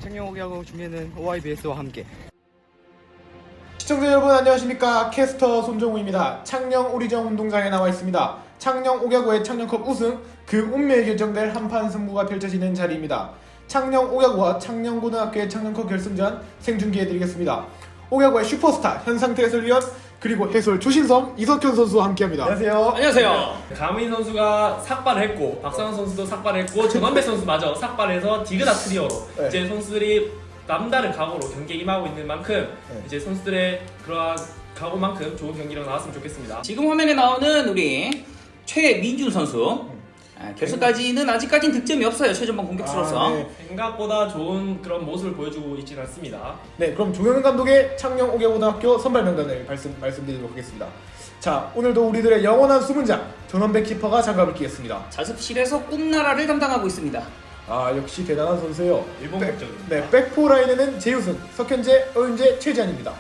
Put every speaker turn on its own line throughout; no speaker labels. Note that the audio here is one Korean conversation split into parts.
창녕 오기하고 준비하는 OIBS와 함께.
시청자 여러분 안녕하십니까. 캐스터 손정우입니다. 창녕 오리정 운동장에 나와 있습니다. 창녕 옥야구의 창녕컵 우승, 그 운명이 결정될 한판 승부가 펼쳐지는 자리입니다. 창녕 옥야구와 창녕고등학교의 창녕컵 결승전 생중계해드리겠습니다. 옥야구의 슈퍼스타 현상태 해설위원 그리고 해설 조신성 이석현 선수와 함께합니다. 안녕하세요.
안녕하세요. 강민 선수가 삭발을 했고 박상원 선수도 삭발을 했고 전원배 선수 마저 삭발해서 디그다 트리오로
네.
이제 선수들이 남다른 각오로 경기에 임하고 있는 만큼
네.
이제 선수들의 그러한 각오만큼 좋은 경기로 나왔으면 좋겠습니다.
지금 화면에 나오는 우리 최민준 선수 결승까지는 아직까지는 득점이 없어요. 최전방 공격수로서.
네.
생각보다 좋은 그런 모습을 보여주고 있지는 않습니다.
네, 그럼 조영은 감독의 창녕 옥야고등학교 선발 명단을 말씀드리도록 하겠습니다. 자, 오늘도 우리들의 영원한 수문장 전원배 키퍼가 장갑을 끼겠습니다.
자습실에서 꿈나라를 담당하고 있습니다.
아, 역시 대단한 선수예요.
일본 국적입니다.
네, 백포 라인에는 재우승, 석현재, 어윤재, 최지한입니다.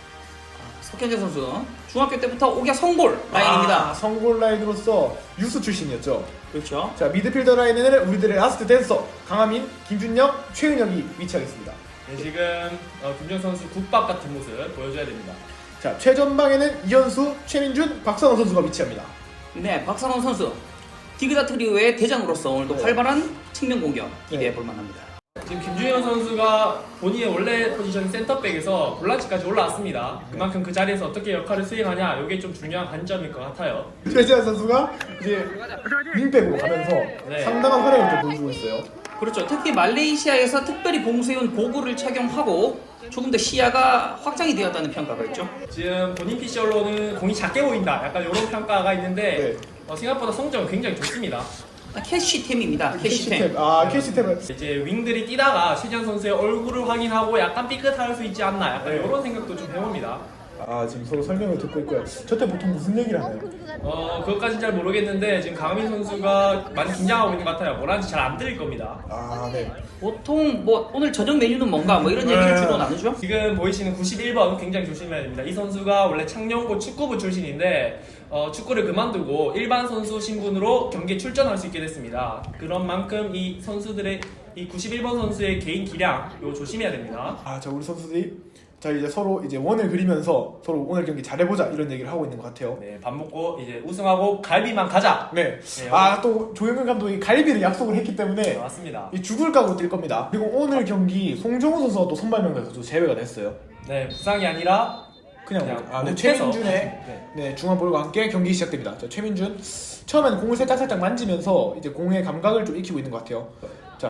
석현재 선수 중학교 때부터 옥야 성골 라인입니다.
성골 라인으로서 유스 출신이었죠.
그렇죠.
자, 미드필더 라인에는 우리들의 라스트 댄서 강하민, 김준영, 최은혁이 위치하겠습니다.
네, 지금 김정 선수 국밥 같은 모습 보여줘야 됩니다.
자, 최전방에는 이현수, 최민준, 박선호 선수가 위치합니다.
네, 박상원 선수 디그다 트리오의 대장으로서 오늘도
네.
활발한 측면 공격 기대해 볼 만합니다.
지금 김준현 선수가 본인의 원래 포지션 센터백에서 볼란치까지 올라왔습니다. 그만큼 그 자리에서 어떻게 역할을 수행하냐 이게 좀 중요한 관점일 것 같아요.
최지한 선수가 이제 윙백으로 가면서
네.
상당한 활약을 좀 보여주고 있어요.
그렇죠. 특히 말레이시아에서 특별히 봉쇄해온 고글을 착용하고 조금 더 시야가 확장이 되었다는 평가가 있죠.
지금 본인 PC 언론은 공이 작게 보인다 약간 이런 평가가 있는데 생각보다 성적은 굉장히 좋습니다.
캐시템입니다. 캐시템.
캐시템. 아, 캐시템을.
이제 윙들이 뛰다가 최지현 선수의 얼굴을 확인하고 약간 삐끗할 수 있지 않나 약간
네.
이런 생각도 좀 해봅니다.
아, 지금 서로 설명을 듣고 있고요. 저때 보통 무슨 얘기를 하나요?
그것까지는 잘 모르겠는데 지금 강민 선수가 많이 긴장하고 있는 것 같아요. 뭐라는지 잘 안 들릴 겁니다.
아, 네.
보통 뭐 오늘 저녁 메뉴는 뭔가 뭐 이런 얘기를 주로 나누죠.
지금 보이시는 91번 굉장히 조심해야 됩니다. 이 선수가 원래 창녕고 축구부 출신인데 축구를 그만두고 일반 선수 신분으로 경기에 출전할 수 있게 됐습니다. 그런 만큼 이 선수들의 이 91번 선수의 개인 기량 이거 조심해야 됩니다.
아, 자, 우리 선수들이 자, 이제 서로 이제 원을 그리면서 서로 오늘 경기 잘해보자 이런 얘기를 하고 있는 것 같아요.
네, 밥 먹고 이제 우승하고 갈비만 가자.
네.
네,
아, 또 조영근 감독이 갈비를 약속을 했기 때문에
네, 맞습니다.
이 죽을 각오로 뛸 겁니다. 그리고 오늘 경기 송정우 선수가 또 선발 명단에서 제외가 됐어요.
네, 부상이 아니라
그냥 네,
못해서.
최민준의 네, 중앙볼과 함께 경기 시작됩니다. 자, 최민준 처음에는 공을 살짝 만지면서 이제 공의 감각을 좀 익히고 있는 것 같아요. 자,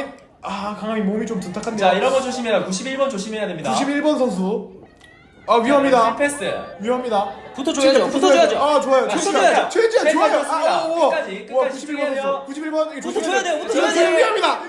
강하민 몸이 좀 둔탁한데.
자, 이런 거 조심해라. 91번 조심해야 됩니다.
91번 선수. 아, 위험합니다.
패스.
위험합니다.
붙어줘야죠. 붙어줘야죠.
아, 좋아요.
붙어줘야죠.
최지한 좋아요.
끝까지,
와,
끝까지
91번 선수. 91번
붙어줘야 돼요. 붙어줘야 돼요.
위험합니다.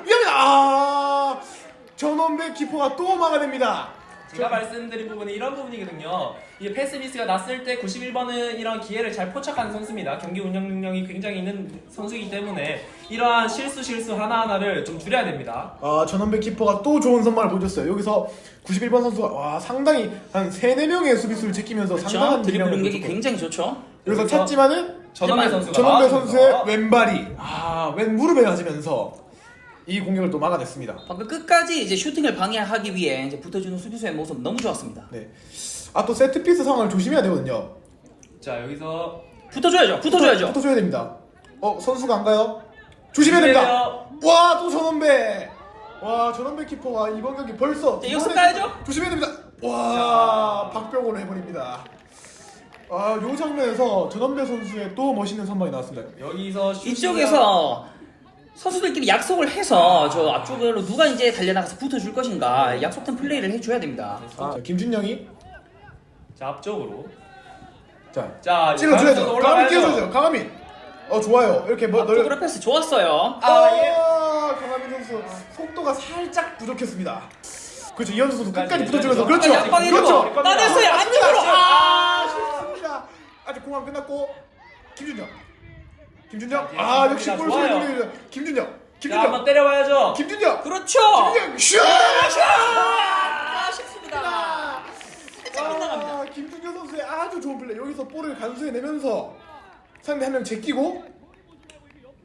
아, 전원배 키퍼가 또 막아냅니다.
제가 말씀드린 부분은 이런 부분이거든요. 이게 패스 미스가 났을 때 91번은 이런 기회를 잘 포착하는 선수입니다. 경기 운영 능력이 굉장히 있는 선수이기 때문에 이러한 실수 하나하나를 좀 줄여야 됩니다.
아, 전원배 키퍼가 또 좋은 선발을 보여줬어요. 여기서 91번 선수가 와, 상당히 한 3-4명의 수비수를 제끼면서 상당한
그렇죠. 드리블
기량을
능력이
보여줬고.
굉장히 좋죠.
여기서 찾지만은
전원배 선수가
전원배 선수의
나왔습니다.
왼발이 왼 무릎에 맞으면서 이 공격을 또 막아냈습니다.
방금 끝까지 이제 슈팅을 방해하기 위해 이제 붙어주는 수비수의 모습 너무 좋았습니다.
네. 아, 또 세트피스 상황을 조심해야 되거든요.
자, 여기서
붙어줘야죠.
붙어줘야 됩니다. 선수가 안 가요? 조심해야 됩니다. 와, 또 전원배. 와, 전원배 키퍼가 이번 경기 벌써
자, 여기서 가야죠.
조심해야 됩니다. 와, 박병호로 해버립니다. 아, 요 장면에서 전원배 선수의 또 멋있는 선방이 나왔습니다.
여기서
이쪽에서 선수들끼리 약속을 해서 저 앞쪽으로 누가 이제 달려나가서 붙어줄 것인가 약속된 플레이를 해줘야 됩니다.
자, 김준영이
자, 앞쪽으로
자, 찔러줘야죠. 강하민 끼워줘야죠. 강하민. 좋아요. 이렇게
앞쪽으로 패스 좋았어요.
강하민 선수 속도가 살짝 부족했습니다. 그렇죠. 이현수 선수 끝까지 붙어주면서 그렇죠.
앞방에
그렇죠.
들고 따냈어요.
맞습니다.
안쪽으로.
쉽습니다. 아직 공항 끝났고 김준영.
자,
역시 골
좋아요.
소리 김준영.
자, 한번 때려봐야죠.
김준영.
그렇죠.
김준영 슛!
아쉽습니다. 살짝 빗나갑니다.
김준영 선수의 아주 좋은 플레이. 여기서 볼을 간수해내면서 상대 한 명 제끼고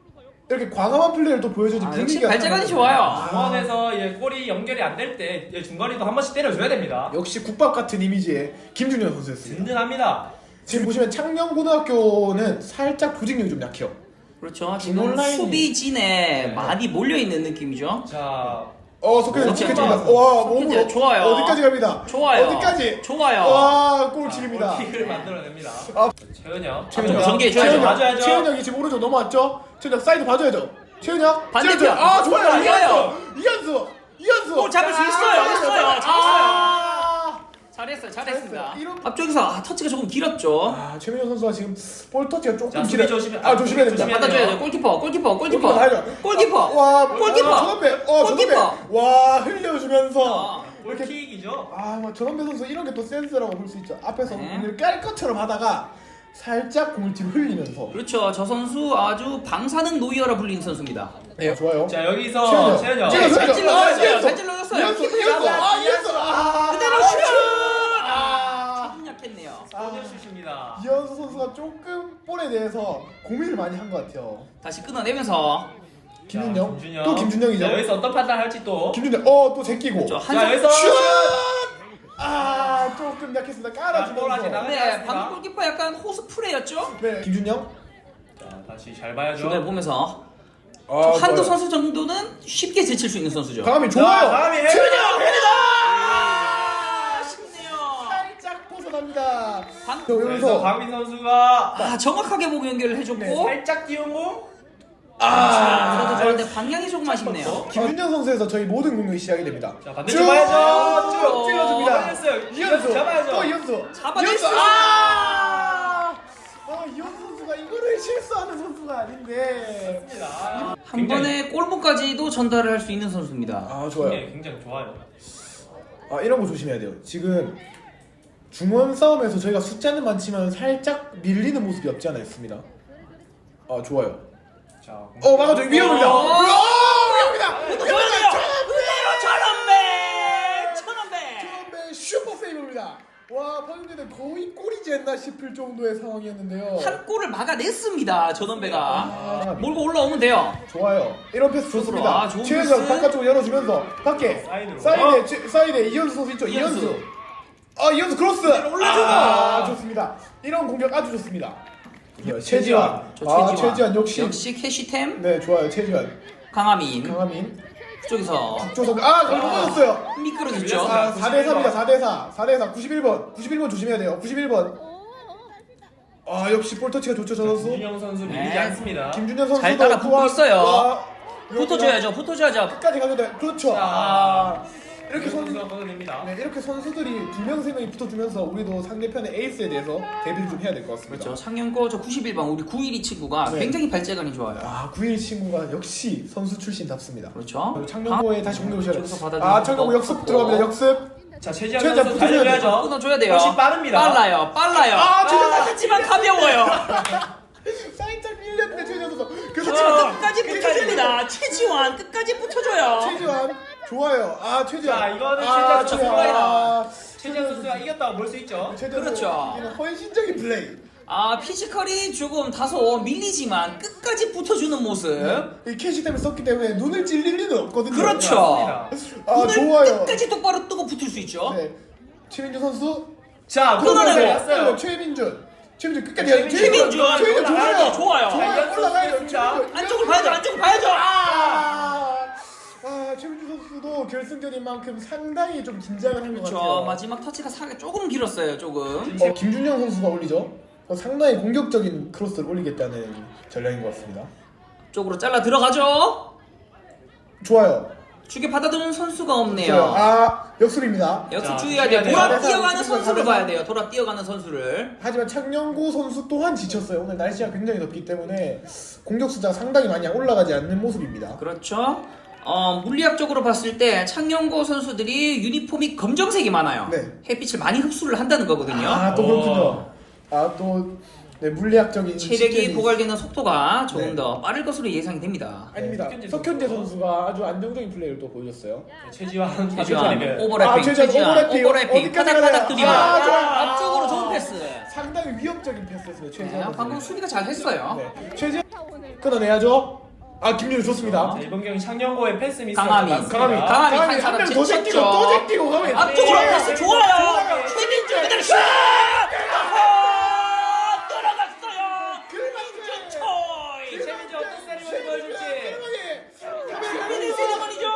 이렇게 과감한 플레이를 또 보여줘야지
역시
분위기가
발재간이
살아나요.
좋아요.
중원에서 골이 연결이 안 될 때 중거리도 한 번씩 때려줘야 됩니다.
역시 국밥 같은 이미지의 김준현 선수였습니다.
든든합니다.
지금 보시면 창녕고등학교는 살짝 조직력이 좀 약해요.
그렇죠.
중원
지금
라인이-
수비진에
네.
많이 몰려있는 느낌이죠.
자,
석현이
석현이.
지켜집니다. 와, 몸으로
석현이 좋아요.
어디까지 갑니다.
좋아요.
어디까지?
좋아요.
와, 골킬입니다.
골킥을 만들어냅니다.
아.
최은혁.
최은혁 전개해줘야죠.
최은혁,
봐줘야죠.
최은혁이 지금 오른쪽 넘어왔죠? 최은혁 사이드 봐줘야죠. 최은혁.
반대편.
최은혁. 아, 좋아요.
좋아요.
이현수.
골 잡을 수 있어요. 있어요.
아,
잘했습니다.
잘했어요. 이런-
앞쪽에서 터치가 조금 길었죠.
최민현 선수가 지금 볼 터치가 조금
자, 수비
길어요.
조심해.
조심해야 됩니다.
조심해야
받아줘야죠. 골키퍼.
골키퍼 가야죠.
골키퍼.
와,
골키퍼.
전원배.
골키퍼.
전원배. 와, 흘려주면서. 이렇게
골킥이죠.
전원배 선수 이런 게 또 센스라고 볼 수 있죠. 앞에서
네.
공을 깔 것처럼 하다가 살짝 공을 뒤로 흘리면서.
그렇죠. 저 선수 아주 방사능 노이어라 불리는 선수입니다.
네, 좋아요.
자, 여기서 최은혁.
최은혁.
잘 찔러줬어요.
이현수.
잘 찔러줬어요.
이현수.
키퍼
이현수.
잡아.
이현수.
그대로 슛!
아.
조금 약했네요.
소녀슛입니다.
이현수 선수가 조금 볼에 대해서 고민을 많이 한 것 같아요.
다시 끊어내면서
김준영.
김준영.
또 김준영이죠.
자, 여기서 어떤 판단할지 또.
김준영. 또 제끼고.
저
자,
한성
여기서
슛! 조금 약했습니다.
볼 아직
깔아주면서.
나가-
네, 방금 골키퍼 약간 호스프레였죠?
네, 김준영.
자, 다시 잘 봐야죠.
중간에 보면서
아,
한두
좋아요.
선수 정도는 쉽게 제칠 수 있는 선수죠.
강함이
자,
좋아요.
강함이
최은영 헤더!
아쉽네요.
살짝 벗어납니다.
방-
저
그래서
여기서
강민 선수가
정확하게 보고 연결을 해줬고
네,
살짝 띄운 공.
그래도 저런데 방향이 조금 아쉽네요.
김준영 선수에서 저희 모든 공격이 시작이 됩니다.
자, 반대쪽 봐야죠.
쭉 찔러줍니다.
걸렸어요.
이현수.
잡아야죠.
또 이현수.
잡아냈어요.
이현수 선수가 이거를 실수하는 선수가 아닌데.
맞습니다.
한 번에 골문까지도 전달을 할 수 있는 선수입니다.
좋아요.
굉장히 좋아요.
이런 거 조심해야 돼요. 지금 중원 싸움에서 저희가 숫자는 많지만 살짝 밀리는 모습이 없지 않아 있습니다. 좋아요.
자,
막아줘. 위험합니다. 위험합니다.
좋아요. 그대로 천원배.
처음에 슈퍼 세이브입니다. 와, 방금 전에 거의 골이지 않나 싶을 정도의 상황이었는데요.
한 골을 막아냈습니다. 전원배가 몰고 올라오면 돼요.
좋아요. 이런 패스 좋습니다.
좋은
최은정
패스.
바깥쪽으로 열어주면서 밖에
사이드로.
사이드에 이현수 선수 있죠.
이현수.
이현수 크로스. 좋습니다. 이런 공격 아주 좋습니다. 최지환. 최지환 역시.
캐시템.
네, 좋아요. 최지환.
강하민.
강하민.
그쪽에서
박조선. 그걸 넘어졌어요.
미끄러졌죠.
4대4입니다. 4대4. 91번 조심해야 돼요. 91번. 역시 볼 터치가 좋죠, 저 선수.
김준영 선수 밀리지
네.
않습니다.
김준현 선수도
잘 따라 붙고
또한-
있어요.
와,
붙어줘야죠.
끝까지 가도 돼. 그렇죠. 이렇게
선수가 걷어냅니다.
이렇게 선수들이 2명, 3명이 붙어주면서 우리도 상대편의 에이스에 대해서 대비를 좀 해야 될 것 같습니다.
그렇죠. 창녕고 저 91번 우리 912 친구가
네.
굉장히 발재간이 좋아요.
9일 친구가 역시 선수 출신답습니다.
그렇죠.
창녕고에 다시 공격 오셔야
저기서
돼요.
받아주는
창녕고
거
역습
없고.
들어갑니다. 역습.
자, 최지환
최지환
선수
붙어줘야
달려줘야죠.
끊어줘야 돼요.
훨씬 빠릅니다.
빨라요. 하지만 가벼워요.
살짝 밀렸는데 최지환 선수.
하지만 끝까지 붙어줍니다. 최지환 끝까지 붙어줘요.
최지환 좋아요. 최지환.
자, 이거는 최지환 선수 플레이다.
최지환
최지환 선수가 이겼다고 볼 수 있죠.
최지환
그렇죠.
선수, 이는 헌신적인 플레이.
피지컬이 조금 다소 밀리지만 끝까지 붙어주는 모습.
이 캐시템을 썼기 때문에 눈을 찔릴 리는 없거든요.
그렇죠. 눈을
좋아요.
끝까지 똑바로 뜨고 붙을 수 있죠.
네. 최민준 선수.
자,
끊어내고.
최민준 끝까지
최민준.
좋아요.
좋아요.
올라가야죠.
안쪽을 봐야죠.
최민준 선수도 결승전인 만큼 상당히 좀 긴장을 한 것
그렇죠.
같아요.
마지막 터치가 조금 길었어요. 조금.
김준영 선수가 올리죠. 상당히 공격적인 크로스를 올리겠다는 전략인 것 같습니다.
쪽으로 잘라 들어가죠.
좋아요.
주게 받아두는 선수가 없네요.
역습입니다.
역습
자,
주의해야 돼요. 돌아
잘해서
뛰어가는
지금
선수를
잘해서.
봐야 돼요. 돌아 뛰어가는 선수를.
하지만 창녕고 선수 또한 지쳤어요. 오늘 날씨가 굉장히 덥기 때문에 공격 숫자가 상당히 많이 올라가지 않는 모습입니다.
그렇죠. 물리학적으로 봤을 때 창녕고 선수들이 유니폼이 검정색이 많아요.
네.
햇빛을 많이 흡수를 한다는 거거든요.
또 그렇군요. 물리학적인
체력이
시점이
고갈되는 속도가 조금
네.
더 빠를 것으로 예상이 됩니다.
아닙니다. 석현재 선수가 아주 안정적인 플레이를 또 보여줬어요.
최지환
최지환
선수
오버래핑,
최지환 오버래핑.
오버래핑,
어디까지
바닥바닥
가나요?
드리블.
좋아요.
앞쪽으로 좋은 패스.
상당히 위협적인 패스였어요. 최지환 선수.
방금 수비가 잘 했어요.
네. 최지환 끊어내야죠. 아 김준호 좋습니다.
자, 이번 경기 창녕고의 패스 미스가
강함이.
강함이
강함이 한
한
사람
명 더 제끼고 또 제끼고 가면
앞쪽으로
네.
패스 좋아요. 최민준 그대로 슛! 들어갔어요. 김준초이.
최민지 어떤 세리머니 보여줄지.
최민의 세레머니죠.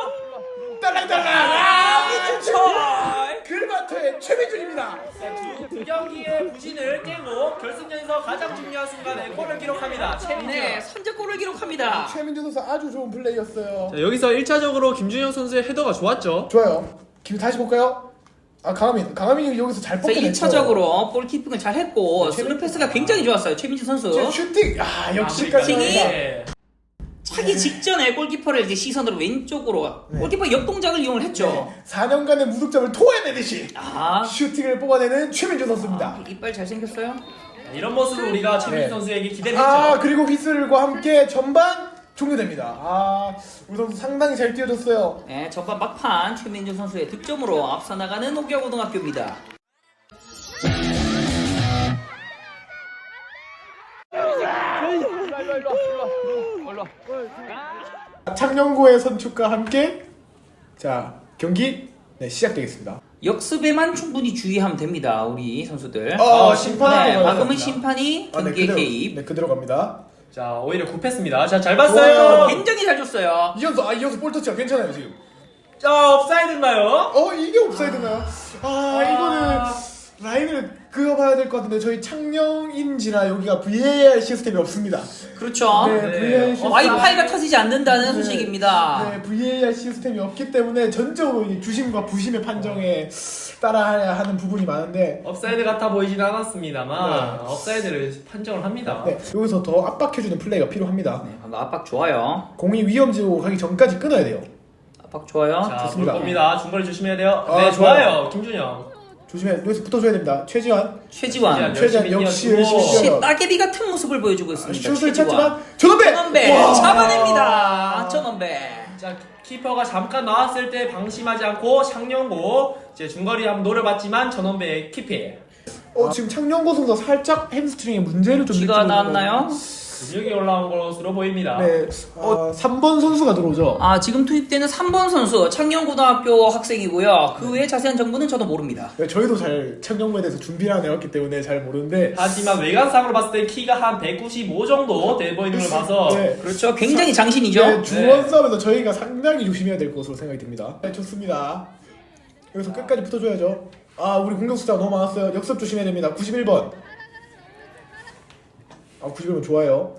딸랑딸랑
김준초이.
글마트의 최민준입니다.
두 경기의 부진을 깨고 결승전에서 가장 중요한 순간에 골을 기록합니다. 최민지.
네, 선제골을 기록합니다.
최민준 선수 아주 좋은 플레이였어요.
자, 여기서 1차적으로 김준영 선수의 헤더가 좋았죠.
좋아요. 김 다시 볼까요? 아 강하민이 여기서 잘
그래서
뽑혀냈죠.
1차적으로 골키핑을 잘 했고
네,
스루 패스가 굉장히 좋았어요. 최민준 선수.
제 슈팅 아 역시까지
슈팅이
네.
차기 직전에 골키퍼를 이제 시선으로 왼쪽으로
네.
골키퍼 역동작을 이용을 했죠.
4년간의 무득점을 토해내듯이
아,
슈팅을 뽑아내는 최민준 선수입니다.
이빨 잘생겼어요.
이런 모습을 우리가 최민지
네.
선수에게 기대를 했죠.
아 그리고 휘슬과 함께 전반 종료됩니다. 아 우리 선수 상당히 잘 뛰어줬어요.
네, 전반 막판 최민준 선수의 득점으로 앞서 나가는 옥야고등학교입니다.
창녕고의 선축과 함께 자 경기 시작되겠습니다.
역습에만 충분히 주의하면 됩니다. 우리 선수들.
심판하고
네, 방금은
가겠습니다.
심판이
네,
경기에
그대로,
개입.
네 그대로 갑니다.
자, 오히려 굽했습니다. 자, 잘
좋아요.
봤어요.
굉장히 잘 줬어요.
이현수 볼터치가 괜찮아요 지금.
자, 옵사이드인가요?
이게 옵사이드인가요? 이거는 라인을 그어봐야 될 것 같은데 저희 창녕인지라 여기가 VAR 시스템이 없습니다.
그렇죠.
네,
네.
VAR 시스템.
와이파이가 터지지 않는다는
네.
소식입니다.
네, VAR 시스템이 없기 때문에 전적으로 이 주심과 부심의 판정에 따라야 하는 부분이 많은데
업사이드 같아 보이진 않았습니다만
네.
업사이드를 판정을 합니다.
네, 여기서 더 압박해주는 플레이가 필요합니다.
네, 방금 압박 좋아요.
공이 위험지로 가기 전까지 끊어야 돼요.
압박 좋아요.
자,
좋습니다.
볼 겁니다. 중거리 조심해야 돼요.
아,
네,
좋아요.
좋아요. 김준영.
조심해. 여기서 붙어줘야 됩니다. 최지환.
최지환.
최지환 역시
뛰어주고.
열심히
역시
뛰어요.
따개비 같은 모습을 보여주고 있습니다.
슛을
최지환.
찾지만 전원배!
전원배
와!
잡아냅니다. 전원배.
자, 키퍼가 잠깐 나왔을 때 방심하지 않고 창녕고 이제 중거리 한번 노려봤지만 전원배의 키피.
지금 창녕고 선수가 살짝 햄스트링에 문제를 좀
쥐가
느끼고
나왔나요?
근육이 올라온 것으로 보입니다.
네. 3번 선수가 들어오죠.
아, 지금 투입되는 3번 선수 창녕고등학교 학생이고요. 그 외에 자세한 정보는 저도 모릅니다.
네, 저희도 잘 창녕고에 대해서 준비를 안 해왔기 때문에 잘 모르는데
하지만 외관상으로 봤을 때 키가 한 195 정도 돼 보이는 걸 봐서
네.
그렇죠. 굉장히 장신이죠.
네, 중원 싸움에서 저희가 상당히 조심해야 될 것으로 생각이 듭니다. 네, 좋습니다. 여기서 끝까지 붙어줘야죠. 우리 공격 숫자가 너무 많았어요. 역습 조심해야 됩니다. 91번. 91번 좋아요.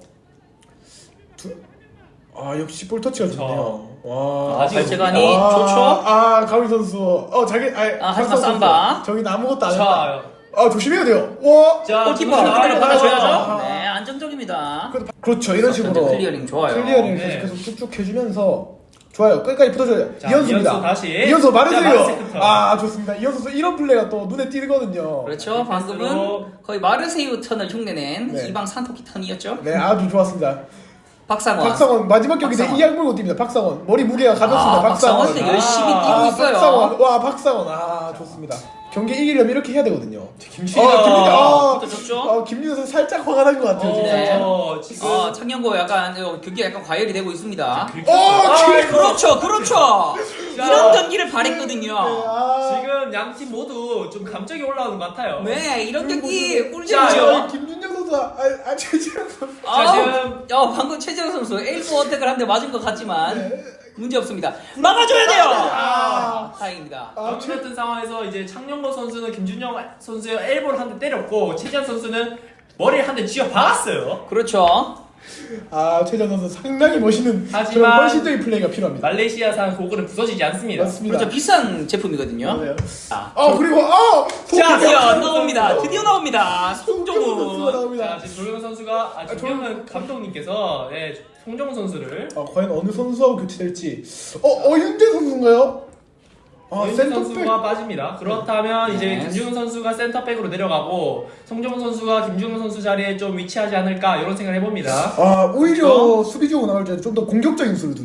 역시 볼터치가 좋네요. 와.
아직
발재간이
없습니다.
좋죠.
가위 선수.
하지만
박상 선수.
쌈바.
저기는 아무것도 안 했다.
자,
조심해야 돼요. 와.
자,
골키퍼
중거리
그대로
나가요.
받아줘야죠. 네, 안정적입니다.
그렇죠. 이런 식으로
클리어링 좋아요.
클리어링
네.
계속 쭉쭉 해주면서 좋아요. 끝까지 붙어줘요.
자,
이현수입니다.
이현수 다시.
이현수
자,
말해주세요.
마르세유부터.
좋습니다. 이현수 선수 이런 플레이가 또 눈에 띄거든요.
그렇죠. 방금은
패스로.
거의 마르세유 턴을 흉내낸
네.
이방 산토키 턴이었죠.
네, 아주 좋았습니다.
박상원.
박상원 마지막 경기 때
박상원.
이악 물고 뜁니다. 박상원 머리 무게가 가볍습니다. 박상원.
박상원 열심히 뛰고 있어요.
박상원. 박상원. 좋습니다. 경기 이기려면 이렇게 해야 되거든요.
김준영.
붙어줬죠?
김민호 선수 살짝 화가 난 것 같아요. 지금.
네.
지금
창녕고 약간 경기가 약간 과열이 되고 있습니다. 그렇죠, 그렇죠. 이런 경기를 바랬거든요.
지금 양 팀 모두 좀 감정이 올라오는 것 같아요.
네, 이런 경기
자,
꿀잼이죠.
김준영 선수, 최지현 선수.
자, 지금
방금 최재형 선수 엘보 어택을 한 대 맞은 것 같지만 문제 없습니다. 막아줘야 돼요. 다행입니다.
같은 상황에서 이제 창녕고 선수는 김준영 선수의 엘보를 한 대 때렸고 최지한 선수는 머리를 한 대 쥐어 박았어요.
그렇죠.
최지현 선수 상당히 멋있는
하지만
그런 헌신적인 플레이가 필요합니다.
말레이시아산 고글은 부서지지 않습니다.
맞습니다.
그렇죠. 비싼 제품이거든요.
맞아요.
자,
그리고
자, 드디어
송정훈
나옵니다.
선수.
드디어 나옵니다.
선수가
송정훈.
자,
나옵니다.
지금 조용 선수가 조용은 감독님께서 송정훈 선수를
과연 어느 선수하고 교체될지. 어윤재 선수인가요?
윤
센터백.
선수가 빠집니다. 그렇다면 이제
네.
김중훈 선수가 센터백으로 내려가고 송정훈 선수가 김중훈 선수 자리에 좀 위치하지 않을까 이런 생각을 해봅니다.
오히려
그렇죠?
수비적으로 나올 때 좀 더 공격적인 수를 두네요.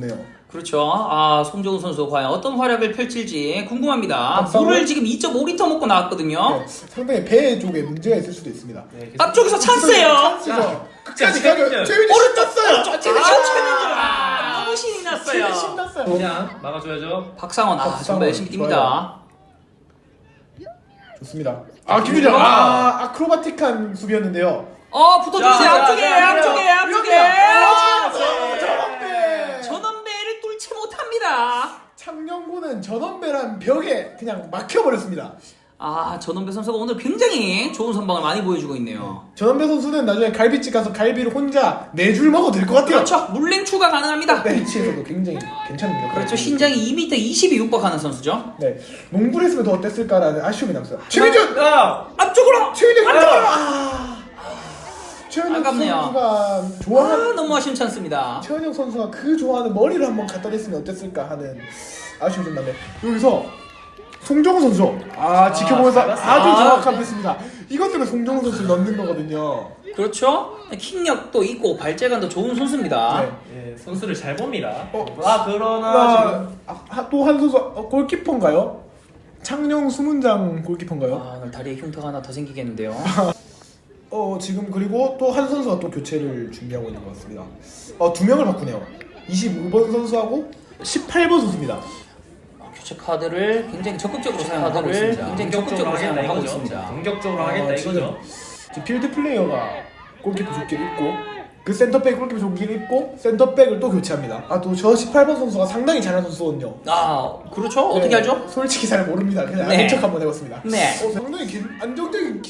그렇죠. 아, 송정훈 선수 과연 어떤 활약을 펼칠지 궁금합니다.
박상훈?
물을 지금 2.5리터 먹고 나왔거든요.
네, 상당히 배 쪽에 문제가 있을 수도 있습니다.
네,
앞쪽에서 찬스예요.
찬스죠. 끝까지
자,
가면 최윤이 신났어요.
너무 신이 났어요.
신났어요.
그냥 막아줘야죠.
박상원,
박상원,
정말 열심히 뜁니다.
좋습니다. 아 김유정, 아크로바틱한 수비였는데요.
붙어주세요.
자,
앞쪽에,
자,
앞쪽에, 앞쪽에.
전원배.
전원배를 뚫지 못합니다.
창녕고는 전원배란 벽에 그냥 막혀버렸습니다.
전원배 선수가 오늘 굉장히 좋은 선방을 많이 보여주고 있네요.
전원배 선수는 나중에 갈비집 가서 갈비를 혼자 4줄 먹어도 될 것 같아요.
그렇죠. 물냉 추가 가능합니다.
벤치에서도 굉장히 괜찮은 역.
그렇죠. 신장이 2m 20이 육박하는 선수죠.
네, 농구를 했으면 더 어땠을까라는 아쉬움이 남았어요. 최민준,
앞쪽으로.
최민준 안쪽으로. 최은혁
아깝네요.
선수가 좋아하는
너무 아쉬운 찬스입니다.
최은혁 선수가 그 좋아하는 머리를 한번 갖다 댔으면 어땠을까 하는 아쉬움이 좀 남네. 여기서 송정우 선수 지켜보면서
잘 봤어요.
아주 정확한 패스입니다. 이것 때문에 송정우 선수 넣는 거거든요.
그렇죠. 킥력도 있고 발재간도 좋은 선수입니다.
네.
예, 선수를 잘 봅니다.
어,
그러나
또 한 선수 골키퍼인가요? 창녕 수문장 골키퍼인가요?
오늘 다리에 흉터가 하나 더 생기겠는데요.
지금 그리고 또 한 선수가 또 교체를 준비하고 있는 것 같습니다. 2명을 바꾸네요. 25번 선수하고 18번 선수입니다.
교체 카드를 굉장히 적극적으로 사용하고 있습니다. 굉장히 적극적으로 사용하고 있습니다.
공격적으로 하겠다 이거죠.
지금 필드 플레이어가 골키퍼 조끼를 입고 그 센터백 골키퍼 조끼를 입고 센터백을 또 교체합니다. 또 저 18번 선수가 상당히 잘하는 선수거든요.
그렇죠. 어떻게
네,
알죠?
솔직히 잘 모릅니다. 그냥
네.
아는 척 한번 해봤습니다.
네.
상당히 안정적인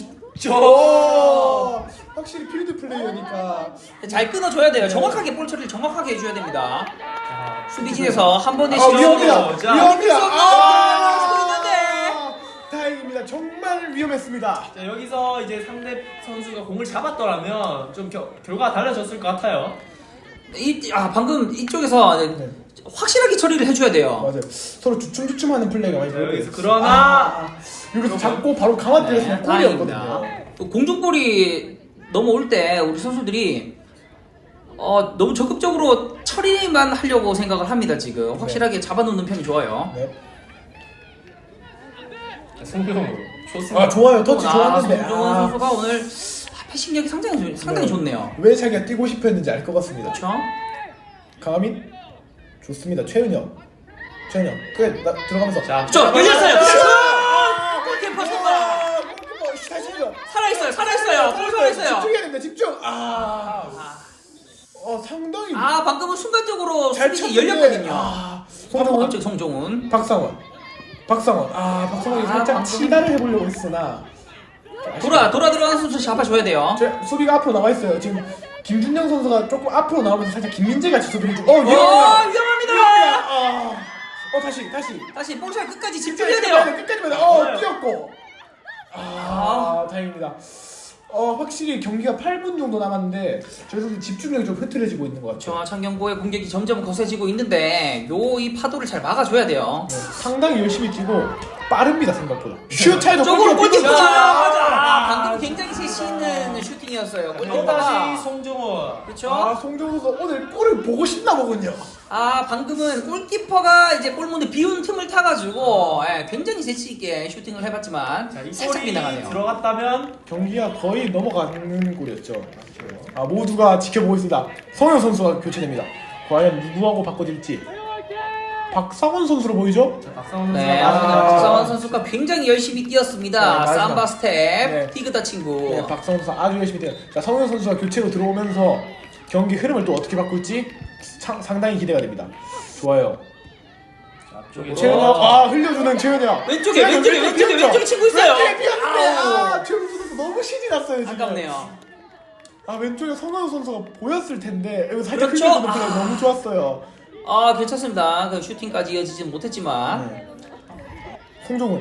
확실히 필드 플레이어니까
잘 끊어줘야 돼요.
네.
정확하게 볼 처리를 정확하게 해줘야 됩니다.
자,
수비진에서 한 번의
위험합니다.
자,
위험합니다.
있는데.
다행입니다. 정말 위험했습니다.
자, 여기서 이제 상대 선수가 공을 잡았더라면 좀 결과가 달라졌을 것 같아요.
방금 이쪽에서
네.
확실하게 처리를 해줘야 돼요.
맞아요. 서로 주춤주춤하는 플레이가 많이
자,
보여요.
여기서 그러나
여기서 잡고 바로 강화 때렸으면 골이었거든요.
다행입니다. 또 공중볼이 넘어올 때 우리 선수들이 너무 적극적으로 처리만 하려고 생각을 합니다. 지금 확실하게 잡아놓는 편이 좋아요.
네.
송병호 좋습니다.
좋아요. 터치 좋았는데.
송정훈 선수가 오늘 패싱력이 상당히 좋네요.
왜 자기가 뛰고 싶어 했는지 알 것 같습니다.
그렇죠?
강하민 좋습니다. 최은혁 끝 들어가면서
자,
열렸어요.
아!
골키퍼 선발.
골키퍼 다시 해줘.
살아있어요. 골 살아있어요.
집중해야 됩니다. 집중. 상당히
방금은 순간적으로
잘
수비진이
쳤는데.
열렸거든요.
송정훈,
갑자기 송정훈.
박상원이 살짝
방금.
치다를 해보려고 했으나
돌아 들어가는 선수 잡아줘야 돼요.
수비가 앞으로 나와 있어요. 지금 김준영 선수가 조금 앞으로 나오면서 살짝 김민재 같이 수비를 좀.
위험합니다.
다시
볼살 끝까지 집중해야 돼요.
끝까지 봐야 돼. 뛰었고. 다행입니다. 확실히 경기가 8분 정도 남았는데 저희 선수 집중력이 좀 흐트러지고 있는 것 같아요.
창녕고의 공격이 점점 거세지고 있는데 이 파도를 잘 막아줘야 돼요.
네, 상당히 열심히 뛰고 빠릅니다 생각보다. 슛 차이도
쪽으로 골키퍼
맞아.
방금 굉장히 세시 있는 슈팅이었어요.
또
골키퍼가.
다시 송정호.
그렇죠?
송정우 선수 오늘 골을 보고 싶나 보군요.
방금은 골키퍼가 이제 골문에 비운 틈을 타가지고 굉장히 재치 있게 슈팅을 해봤지만
자, 이
살짝
골이
빗나가네요.
들어갔다면
경기가 거의 넘어가는 골이었죠. 모두가 지켜보고 있습니다. 성현 선수가 교체됩니다. 과연 누구하고 바꿔질지. 박상원 선수로 보이죠?
자, 박상훈
네,
선수가
박상원 선수가 굉장히 열심히 뛰었습니다.
네, 마지막.
삼바 스텝,
네.
티그다 친구.
네, 박상원 선수 아주 열심히 뛰어요. 자, 성현 선수가 교체로 들어오면서 경기 흐름을 또 어떻게 바꿀지 상당히 기대가 됩니다. 좋아요.
앞쪽에
최은혁, 흘려주는 최은혁.
왼쪽에 친구 있어요.
왼쪽에 비었는데, 최은혁 선수 너무 신이 났어요 지금.
아깝네요.
왼쪽에 성현 선수가 보였을 텐데 이거 살짝
그렇죠?
흘려주는 플레이 너무 좋았어요.
괜찮습니다. 그 슈팅까지 이어지진 못했지만.
네. 송정훈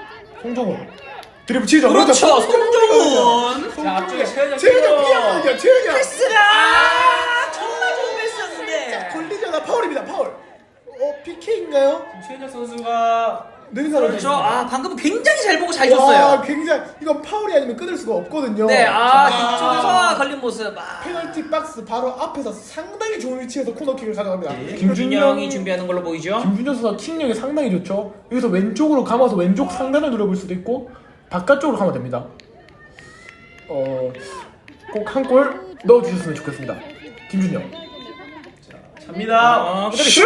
드리블 치죠.
그렇죠,
송정훈.
자, 앞쪽에 최은혁
최은혁 피하거든요. 최은혁.
패스가 정말 좋은 패스였는데.
걸리잖아. 파울입니다. 파울. PK인가요?
최은혁 선수가
능사로
그렇죠. 아 방금 굉장히 잘 보고 잘
와,
줬어요.
굉장히 이건 파울이 아니면 끊을 수가 없거든요.
네,
아,
뒤쪽에서 걸린 모습.
페널티 박스 바로 앞에서 상당히 좋은 위치에서 코너킥을 가져갑니다.
김준영이 준비하는 걸로 보이죠.
김준영 선수가 킥력이 상당히 좋죠. 여기서 왼쪽으로 감아서 왼쪽 상단을 노려볼 수도 있고 바깥쪽으로 가면 됩니다. 꼭 한 골 넣어주셨으면 좋겠습니다. 김준영.
갑니다.
슛!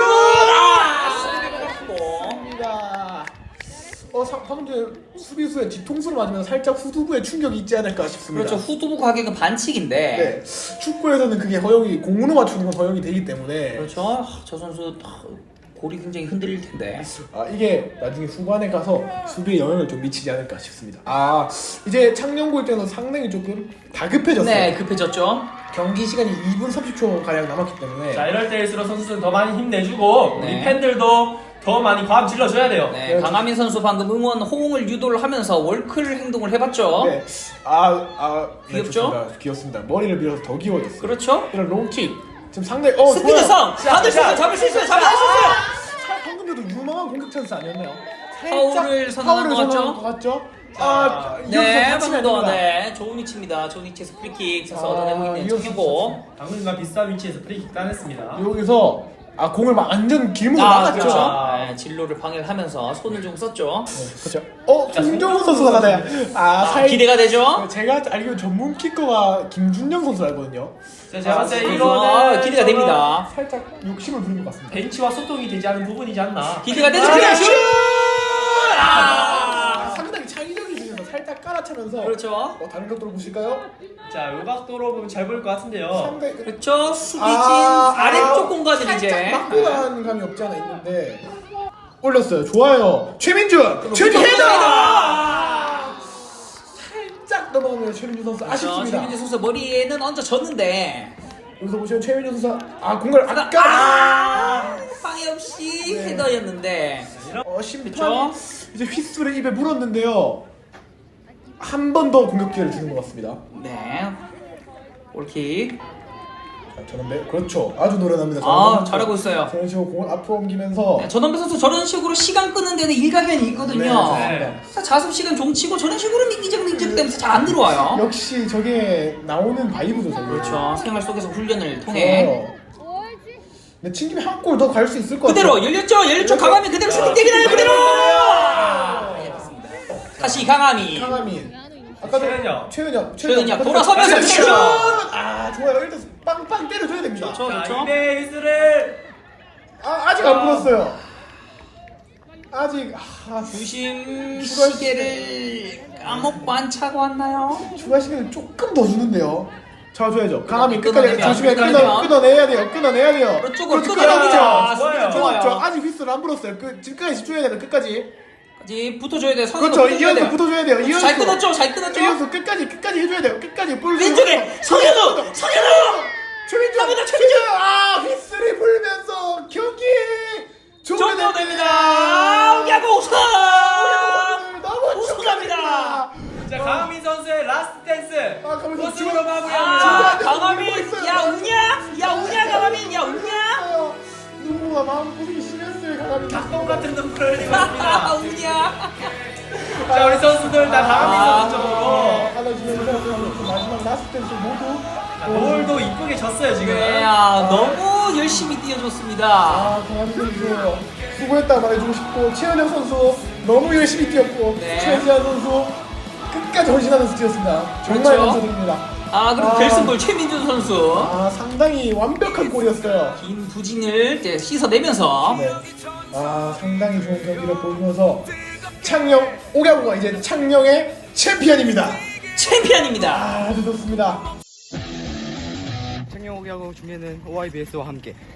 아!
방금 전에 수비수의 뒤통수를 맞으면 살짝 후두부에 충격이 있지 않을까 싶습니다.
그렇죠. 후두부 가격은 반칙인데.
네. 축구에서는 그게 허용이 공으로 맞추는 건 허용이 되기 때문에
그렇죠. 저 선수 골이 굉장히 흔들릴 텐데.
이게 나중에 후반에 가서 수비에 영향을 좀 미치지 않을까 싶습니다. 이제 창녕고 입장에서 상당히 조금 다급해졌어요.
네, 급해졌죠.
경기 시간이 2분 30초 가량 남았기 때문에
자, 이럴 때일수록 선수들은 더 많이 힘내주고
네.
우리 팬들도 더 많이 과음 질러줘야 돼요.
네, 강하민 선수 방금 응원 호응을 유도를 하면서 월클 행동을 해봤죠.
네.
귀엽죠?
좋습니다. 귀엽습니다. 머리를 밀어서 더 귀여워졌어요.
그렇죠.
이런 롱킥 지금 상당히
스피드성 받을 수 있어요. 잡을 수 있어요. 잡을 수 있어요.
방금 전도 유망한 공격 찬스 아니었나요?
파울을 선언한 것 같죠?
것 같죠?
네,
이어서
방금도
다치면
네, 좋은 위치입니다. 좋은 위치에서 프리킥 쳐서 얻어내고 있는
이어서
청년고.
방금과 비슷한 위치에서 프리킥 따냈습니다.
여기서 공을 막 완전 길목으로 막았죠.
그렇죠. 네, 진로를 방해를 하면서 손을 좀 썼죠.
그렇죠. 송정우 선수가 가나요?
기대가 되죠.
제가 알기로 전문 키커가 김준영 선수 알거든요.
자, 제가 봤을 때
그렇죠.
이거는
기대가 됩니다.
살짝 욕심을 부린 것 같습니다.
벤치와 소통이 되지 않은 부분이지 않나.
기대가 되죠. 그냥 슛!
상당히 창의적인 수에서 살짝 깔아차면서
그렇죠.
다른 각도로 보실까요?
자, 요 각도로 보면 잘 보일 것 같은데요.
상당히
그렇죠. 수비진 아래쪽 공간을
살짝
이제
맞고 나간 감이 없지 않아 있는데 올렸어요. 좋아요. 최민준 헤더! 살짝 넘어가면 최민준 선수 아쉽습니다.
최민재 선수 머리에는 얹어졌는데
여기서 보시면 최민준 선수 공을 아까
방해 없이
네.
헤더였는데
심판
그쵸?
이제 휘스를 입에 물었는데요. 한 번 더 공격 기회를 주는 것 같습니다.
네 골킥
전원배 그렇죠. 아주 노련합니다.
잘하고 있어요.
저런 식으로 공을 앞으로 옮기면서
네, 전원배 선수 저런 식으로 시간 끄는 데는 일가견이 있거든요.
네.
자습 시간 종치고 저런 식으로 민기적 되면서 잘 안 들어와요.
역시 저게 나오는 바이브죠. 저게.
그렇죠. 생활 속에서 훈련을 통해
근데 튕김에 한 골 더 갈 수 있을 것
그대로
같아요.
열렸죠. 강하민 그대로 슈팅 때리나요? 그대로. 다시 강하민.
강하민. 아까도 최은혁
돌아서면서
슛!
슛!
좋아요. 일단 빵빵 때려줘야 됩니다.
그렇죠.
자,
그렇죠.
이대 휘스를
아직 안 불었어요. 아직
중심 시계를 까먹고 안 차고 왔나요?
추가 시간을 조금 더 주는데요. 잡아줘야죠. 강하민 끝까지
끊어내면,
조심해
끊어내면.
끊어내야 돼요.
그쪽으로
그렇죠.
끊어냅니다.
좋아요.
좋아요. 아직 휘스를 안 불었어요. 지금까지 집중해야 돼요. 끝까지.
붙어줘야 돼요.
그렇죠. 이현수 붙어줘야 돼요. 이현수.
잘 끊었죠.
이현수 끝까지 해줘야 돼요. 끝까지 볼.
왼쪽에 성현우.
최민준. 휘스를 불면서 경기
종료됩니다. 야구 우승.
너무
우승합니다.
자, 강하민 선수의 라스트 댄스
강하민 선수
우승으로 마무리합니다.
강하민. 야 우냐 강하민. 야 우냐.
누구가 마음고생이 심했어요. 강하민.
닭똥 같은 눈물을 흘리고 있습니다.
우냐.
자, 우리 선수들 다 강하민 선수 쪽으로
안아주면서 마지막 라스트 댄스 모두
노을도 이쁘게 졌어요 지금.
네, 너무 열심히 뛰어줬습니다.
강하민 선수 수고했다 말해주고 싶고 최은영 선수 너무 열심히 뛰었고
네.
최지한 선수 끝까지 헌신하면서 뛰었습니다. 정말
그렇죠.
감사드립니다.
그리고 결승골 최민준 선수
상당히 완벽한 골이었어요.
긴 부진을 이제 씻어내면서
네. 상당히 좋은 경기를 보여주면서 창녕 오가구가 이제 창녕의 챔피언입니다.
챔피언입니다.
아주 좋습니다.
창녕 오기하고 준비하는 OIBS와 함께